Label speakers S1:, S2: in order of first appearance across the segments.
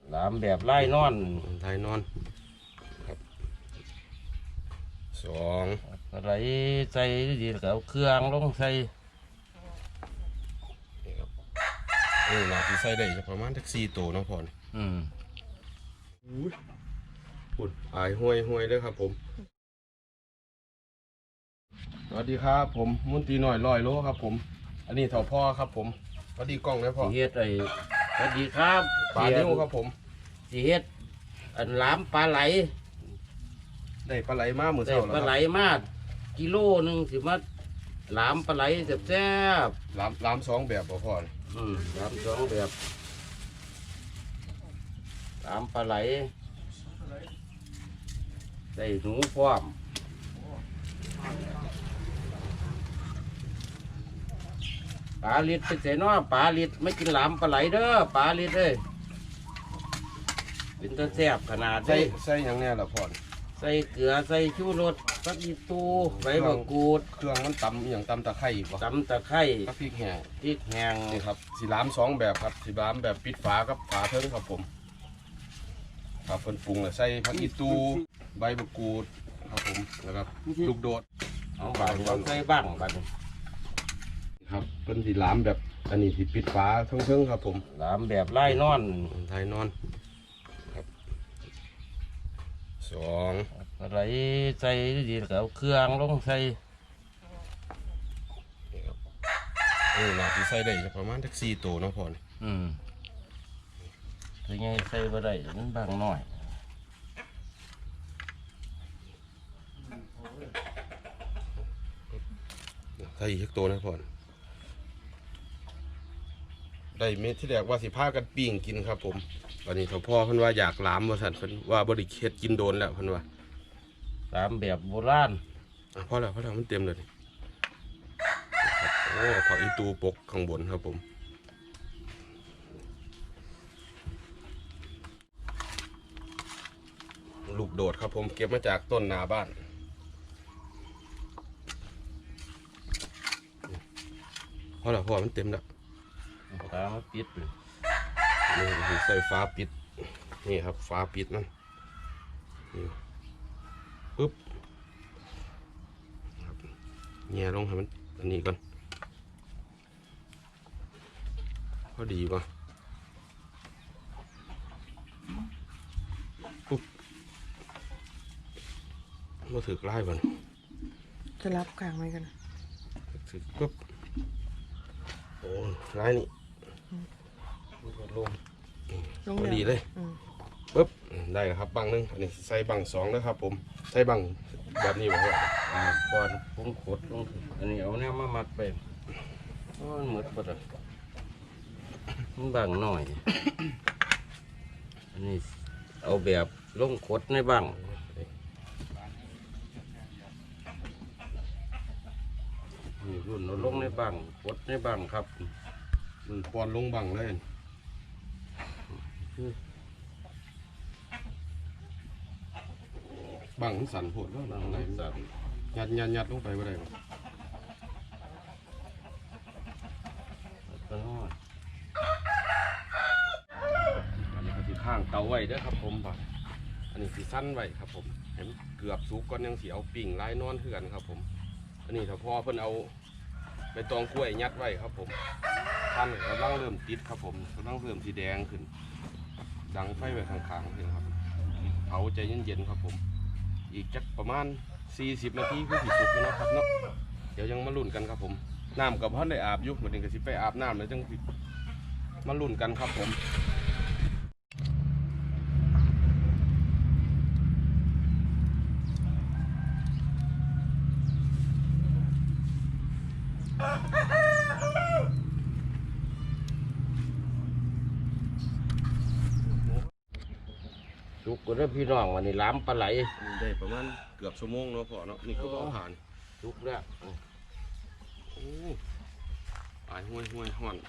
S1: หลามแบบไล่นอน
S2: ไล่นอนครับสอง
S1: อะไรใส่ดีกับเครื่องลงใส่
S2: นี่ครับน่าจะใส่ได้ประมาณสัก4 ตัวเนาะพ่อปุ่นอายห้วยเลยครับผมสวัสดีครับผมมุนตีหน่อย100 โลครับผมอันนี้เถาพ่อครับผมสวัสดีกล้องนะพ่อ
S1: สีเฮ็ดไอ้สวัสดีครับ
S2: ปลานิ้วครับผม
S1: สีเฮ็ดอันหลามปลาไหล
S2: ได้ปลาไหลมาเหมือนเช้าแล้ว
S1: ปลาไหลมากกิโลนึงสิมาหลามปลาไหลแซ่บ
S2: หลาม2 แบบพ่อ
S1: หลาม2 แบบหลามปลาไหลได้หนูพร้อมปลาลิดไปเสียน้อปลาลิดไม่กินหลามปลาไหลเด้อปลาลิดเลยเป็นตะแซ่บขนาด
S2: ใส่อย่างเนี้ยละพ่อ
S1: ใส่เกลือใส่ชูรสผักอีตูใบมะกรูด
S2: เครื่องมันตำอย่างตำตะไคร้ป่ะ
S1: ตำตะไคร้
S2: กับพริกแห้
S1: ง
S2: นี่ครับสีหลาม2 แบบครับสีหลามแบบปิดฝากับฝาเทิงครับผมครับเพิ่นปรุงแล้วใส่ผักอีตูใบมะกรูดครับผมแล้วก็ลูกโดด
S1: เอาบางใส่บ้างบาง
S2: ครับเป็นสีหลามแบบอันนี้ที่ปิดฝาเทิงครับผม
S1: หลามแบบไล่นอน
S2: ครับ2
S1: อะไรใส่ดีกับเครื่องลงใส่
S2: นี่ครับน่าจะใส่ได้ประมาณสัก4 ตัวเนาะพ่อ
S1: คือไงใส่บ่ได้มันบางหน่อย
S2: ใส่อีกตัวนะพ่อได้เม็ดที่แรกว่าสิพากันปิ้งกินครับผมวันนี้พ่อเพิ่นว่าอยากหลามว่าสั่นเพิ่นว่าบริเฮ็ดกินโดนแล้วเพิ่นว่า
S1: หลามแบบโบราณ
S2: พอแล้วมันเต็มเลยโอ้ผักอีตูปกข้างบนครับผมลูกโดดครับผมเก็บมาจากต้นนาบ้านพอแล้วพ่อมันเต็มแล้ว
S1: ฟ้ามาปิดเลย
S2: นี่ใส่ฟ้าปิดนี่ครับฟ้าปิดนั่นปึ๊บแง่ลงให้มันอันนี้ก่อนพอดีป่ะปุ๊บมาถือกไล่ก่อน
S3: จะรับกลางไว้กัน
S2: ถือปุ๊บโอ้ไล่นี่ลงพอดีเลยปุ๊บได้แล้วครับบังนึงอันนี้ใส่บัง2นะครับผมใส่บังแบบนี้บอกว่า
S1: ก่อนปุ้งขดลงอันนี้เอาเนี่ยมามัดไปมันหมดหมดอ่ะมันบางหน่อยอันนี้เอาแบบลงขดในบังนี่รุ่นเราลงในบังขดในบังครับ
S2: ปอนลงบังเลยบังสั่นโผล่แล้วบังไหนสั่นยัดลงไปว่าไรอันนี้ก็ที่ข้างเตาไว้เด้อครับผมบ่อันนี้สีสั้นไว้ครับผมเห็นเกือบสุกก่อนยังสีเอาปิ่งไล่นอนเถื่อนครับผมอันนี้ถ้าพ่อเพิ่นเอาใบตองกล้วยยัดไว้ครับผมท่านกำลังเริ่มติดครับผมกำลังเริ่มสีแดงขึ้นดังไฟไว้ข้างๆเลยครับเผาใจเย็นๆครับผมอีกจักประมาณ40 นาทีคือสิสุกแล้วนะครับเนาะเดี๋ยวยังมาลุ้นกันครับผมน้ำกับพ่อได้อาบอยู่เหมือนกันสิไปอาบน้ำแล้วจังมาลุ้นกันครับผม
S1: สุกก็ได้พี่น้องวันนี้ล้ำปลาไหล
S2: ได้ประมาณเกือบชั่วโมงเนาะพ่อเนาะนี่ก็ต้องผ่าน
S1: สุกแล้ว
S2: โอ้หายห้วยห่อน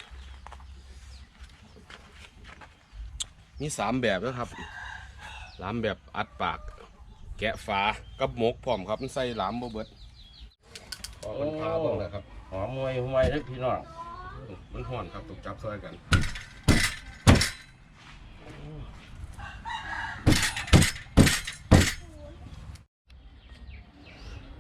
S2: มี3 แบบนะครับหลามแบบอัดปากแกะฝากับหมกพร้อมครับมันใส่หลามบ่เบิดพอมันพาบ้างเลยครับ
S1: หอมห่วยได้พี่น้อง
S2: มันห่อนครับถูกจับซอยกัน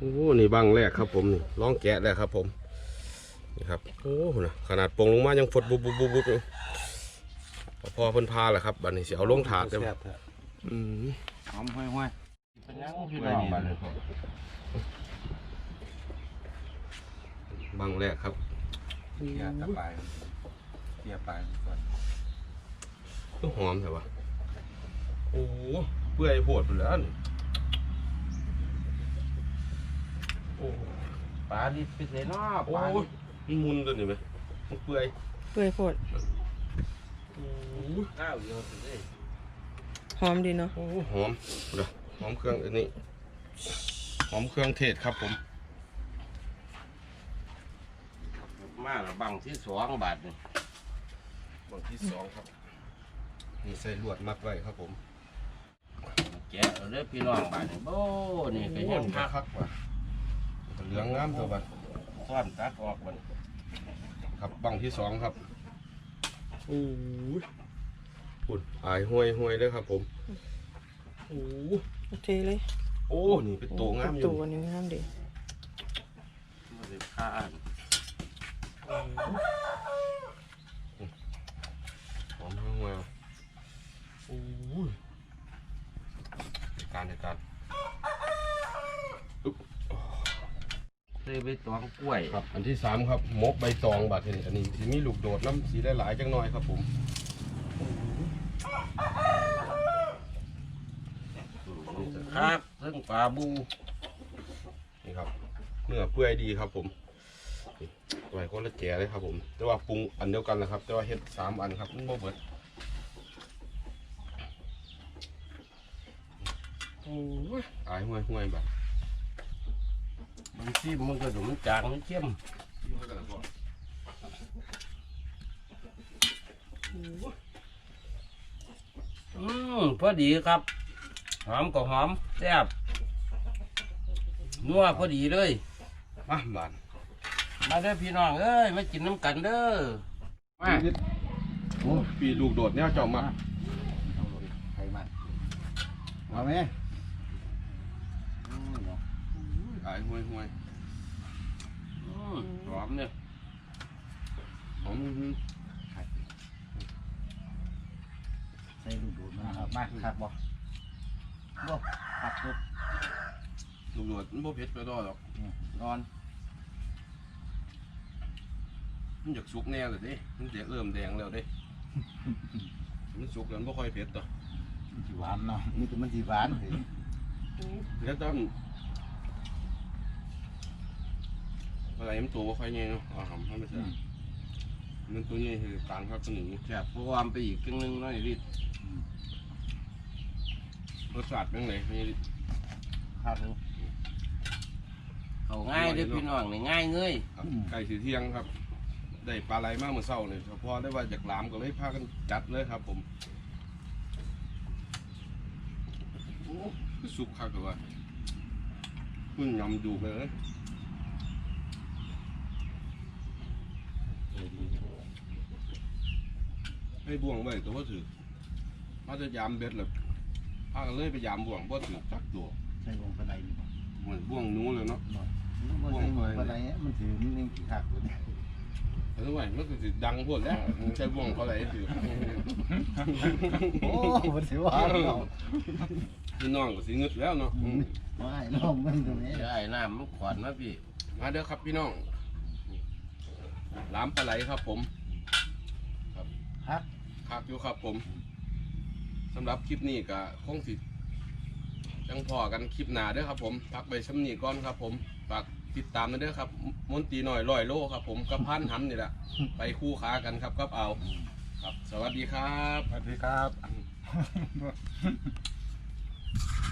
S2: โอ้นี่บังแรกครับผมนี่ลองแกะแล้วครับผมนี่ครับโอ้นะขนาดปลงลงมายังฟดบุบบุบบุบบุบพอเพิ่นพาแหละครับบัดนี้สิเอาลงถาดเด้ออืม
S1: หอมห้อยๆเป็นยังพี่น้องบ้านนี้
S2: บังแรกครับ
S4: เกียร์ตะไปเกียร์ไปก่อน
S2: ก็หอมแต่ว่าโอ้เปื่อยโหดไปแล้วนี่โอ้
S1: ปลาดิบเป็นเลยเนาะ
S2: โอ้
S1: ปลาดิบ
S2: มันมุนตัวนี้ไหมมันเปื่อย
S3: เปื่อยโพด
S2: โอ้
S1: ข้าวเยอะสิเลย
S3: หอมดีเนาะ
S2: โอ้หอมเดี๋ยวหอมเครื่องอันนี้หอมเครื่องเทศครับผม
S1: มาละบังที่2 บาทนี่
S2: บังที่สองครับนี่ใส่ลวดมัดไว้ครับผม
S1: แกะเอาเด้อพี่น้องบ้านนี่โอ้นี่ก็ยังคัก
S2: คักว่ะเหลืองงามตัวบัด
S1: ซ่อนตัดออกมัน
S2: ครับบังที่สองครับโอ้ยปุ่นอายห้วยห้วยเลยครับผมโอ้
S3: โอเคเลย
S2: โอ้นี่เป็นตัวงามอยู่
S3: ตัวนี้งามดี
S1: มันสิข้าน
S2: หอมห้วยโอ้ยในการอุ๊บ
S1: ใส่ใบตองกล้วย
S2: ครับอันที่สามครับมกใบตองบาดนี้อันนี้สีมีลูกโดดน้ำสีได้หลายจังหน่อยครับผม
S1: ครับเรื่องปลาบู
S2: นี่ครับเนื้อเปื่อยดีครับผมนี่ไว้คนละแก่เลยครับผมแต่ว่าปรุงอันเดียวกันนะครับแต่ว่าเฮ็ด3 อันครับมันบ่เบิดโอ้ยอายห้วยห้วยแบบ
S1: บางทีมันก็ดูมันจางมันเข้มพอดีครับหอมก็หอมแซ่บนัวพอดีเลย
S2: มาบาน
S1: มาเด้อพี่น้องเอ้ยมากินน้ำกันเด้อมา
S2: โอ้ปีลูกโดดเนี่ยเจ้ามา
S4: ใครมาเอาไหม
S2: อายห้วยห้วย
S1: หอมเนี่ย
S2: หอม
S4: ใส่ดูดูมาครับมาครับบ่บ่ครับปุ๊บ
S2: ลูกโดดมันบ่เผ็ดไปดอกหรอก
S1: นอน
S2: มันอยากสุกแน่เลยเด้มันเริ่มแดงแล้วเด้มันสุกแล้วมันบ่ค่อยเผ็ดต่อ
S4: มันสิหวานเนาะนี่คือมันสิหวานเฮ้ย
S2: แล้วต้องอะไรมันตัวบ่ค่อยใหญ่เนาะหำไม่ใช่มันตัวใหญ่คือกลางครับตัวนี้
S1: แซ่บเพราะวามไปอีกครึ่งนึงน้อยนิด
S2: รสชาติเป็นไงไม่ได้
S4: ครับ
S1: เขาง่ายเด้อพี่น้องนี่ง่ายเงย
S2: ครับไก่สีเที่ยงครับ ได้ปลาไหลมากเมื่อเช้าเนี่ยเฉพาะได้ว่าจากหลามก็เลยพากันจัดเลยครับผมโอ้คือสุกคักเลยว่าขึ้นยำดูเลยให้บ่วงไว้ตัวว่าถือมาจะยามเบ็ดเลยพากันเลยไปยามบ่วงเพราะถือจักตัว
S4: ใส่วงปลาไหลนี่บ่
S2: เหมือนบ่วงหนู้เลยเนาะ
S4: บ่ใส่วงปลาไหลมันถือมันยังขี้คักอยู่เนี่ย
S2: แต่ทำไมมันก็ถือดังโพดแล้วใช้บ่วงเขาไหลถือ
S4: โอ้มันสิหวานเนาะ
S2: พี่น้องก็สิงึดแล้วเนาะ
S4: ว่าให้น้องมันตรงนี้
S1: เดี๋ยวไอ้น้ำมันขวานมาพี่
S2: มาเด้อครับพี่น้องหลามปลาไหลครับผม
S4: ครับ
S2: คักอยู่ครับผมสำหรับคลิปนี้ก็คงสิจังพอกันคลิปหน้าเด้อครับผมพักไปซ้ำนี้ก่อนครับผมฝากติดตามนะเด้อครับมนตรีหน่อย100 โลครับผมกับพันหำนี่แหละไปคู่ขากันครับกับเอาครับ สวัสดีครับ
S4: สวัสดีครับ